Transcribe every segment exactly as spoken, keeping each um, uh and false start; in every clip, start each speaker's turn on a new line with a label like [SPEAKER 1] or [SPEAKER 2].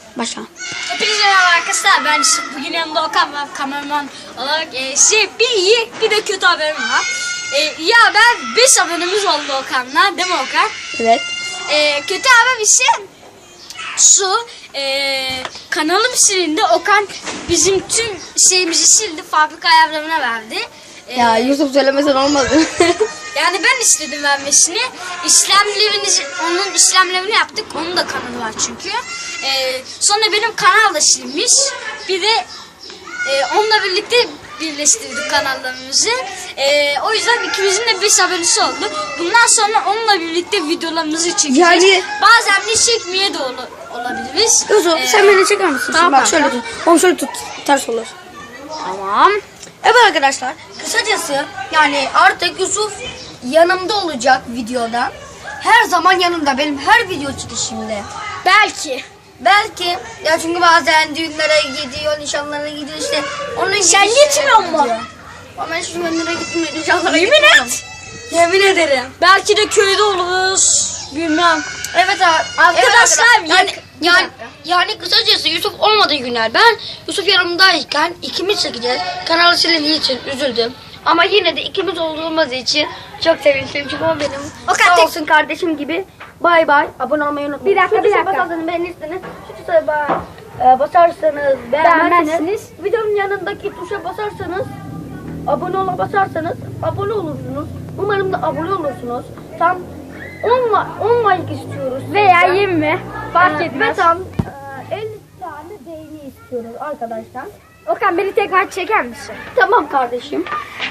[SPEAKER 1] Başla.
[SPEAKER 2] Hepinize merhaba arkadaşlar. Ben işte bugün yanımda Okan var, kameraman olarak. E, şey, bir iyi bir de kötü haberim var. E, ya ben beş abonemiz oldu Okan'la, değil mi Okan?
[SPEAKER 1] Evet.
[SPEAKER 2] E, kötü haber ise şu, e, kanalım silindi. Okan bizim tüm şeyimizi sildi, fabrika ayarlarına verdi. E,
[SPEAKER 1] Ya Yusuf söylemesen olmadı.
[SPEAKER 2] Yani ben istedim vermesini. İşlemlerini, onun işlemlerini yaptık. Onun da kanalı var çünkü. Ee, sonra benim kanal da silmiş. Bir de e, onunla birlikte birleştirdik kanallarımızı. Ee, o yüzden ikimizin de beş abonesi oldu. Bundan sonra onunla birlikte videolarımızı çekeceğiz.
[SPEAKER 1] Yani-
[SPEAKER 2] Bazen de çekmeye de ol olabiliriz.
[SPEAKER 1] Yusuf
[SPEAKER 2] Ee,
[SPEAKER 1] sen beni çeker misin?
[SPEAKER 2] tamam,
[SPEAKER 1] Bak şöyle
[SPEAKER 2] tamam.
[SPEAKER 1] tut. Oğlum şöyle tut. Ters olur.
[SPEAKER 2] Tamam.
[SPEAKER 1] Evet arkadaşlar. Kısacası yani artık Yusuf yanımda olacak videoda. Her zaman yanımda. Benim her video çıkışımda.
[SPEAKER 2] Belki.
[SPEAKER 1] Belki ya çünkü bazen düğünlere gidiyor, nişanlara gidiyor işte. Onun
[SPEAKER 2] Sen
[SPEAKER 1] gibi
[SPEAKER 2] gitmiyor
[SPEAKER 1] şeyler
[SPEAKER 2] mu?
[SPEAKER 1] gidiyor. Ama ben şimdi düğünlere gitmiyorum, nişanlara
[SPEAKER 2] Yemin
[SPEAKER 1] gitmiyorum.
[SPEAKER 2] et.
[SPEAKER 1] Yemin ederim.
[SPEAKER 2] Belki de köyde oluruz. Bilmem.
[SPEAKER 1] Evet abi.
[SPEAKER 2] Arkadaşlar,
[SPEAKER 1] evet, yani,
[SPEAKER 2] bir
[SPEAKER 1] yani,
[SPEAKER 2] dakika.
[SPEAKER 1] yani kısacası Yusuf olmadığı günler ben Yusuf yanımdayken ikimiz çekeceğiz. Kanalı silindiği için üzüldüm. Ama yine de ikimiz olduğumuz için çok sevinçliyim. Çünkü o benim
[SPEAKER 2] O kadar
[SPEAKER 1] sağ
[SPEAKER 2] tek-
[SPEAKER 1] olsun kardeşim gibi. Bay bay. Abone olmayı unutmayın.
[SPEAKER 2] Bir dakika,
[SPEAKER 1] Şu
[SPEAKER 2] bir
[SPEAKER 1] tuşa
[SPEAKER 2] dakika.
[SPEAKER 1] basarsanız beğenirsiniz. Şu tuşa ba- e, basarsanız beğenmezsiniz. Videonun yanındaki tuşa basarsanız abone ola basarsanız abone olursunuz. Umarım da abone olursunuz. Tam on, on like istiyoruz.
[SPEAKER 2] Veya
[SPEAKER 1] sizden.
[SPEAKER 2] yirmi. Fark
[SPEAKER 1] Ee,
[SPEAKER 2] etmez.
[SPEAKER 1] Ve tam e, elli tane beğeni istiyoruz arkadaşlar.
[SPEAKER 2] Okan beni tekrar çeker misin?
[SPEAKER 1] Tamam kardeşim.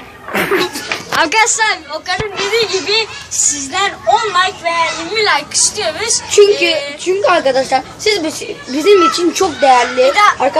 [SPEAKER 2] Arkadaşlar Okan'ın dediği gibi sizden on like veya yirmi like istiyoruz.
[SPEAKER 1] Çünkü
[SPEAKER 2] Ee,
[SPEAKER 1] çünkü arkadaşlar siz biz- bizim için çok değerli.
[SPEAKER 2] Bir de-
[SPEAKER 1] Arka-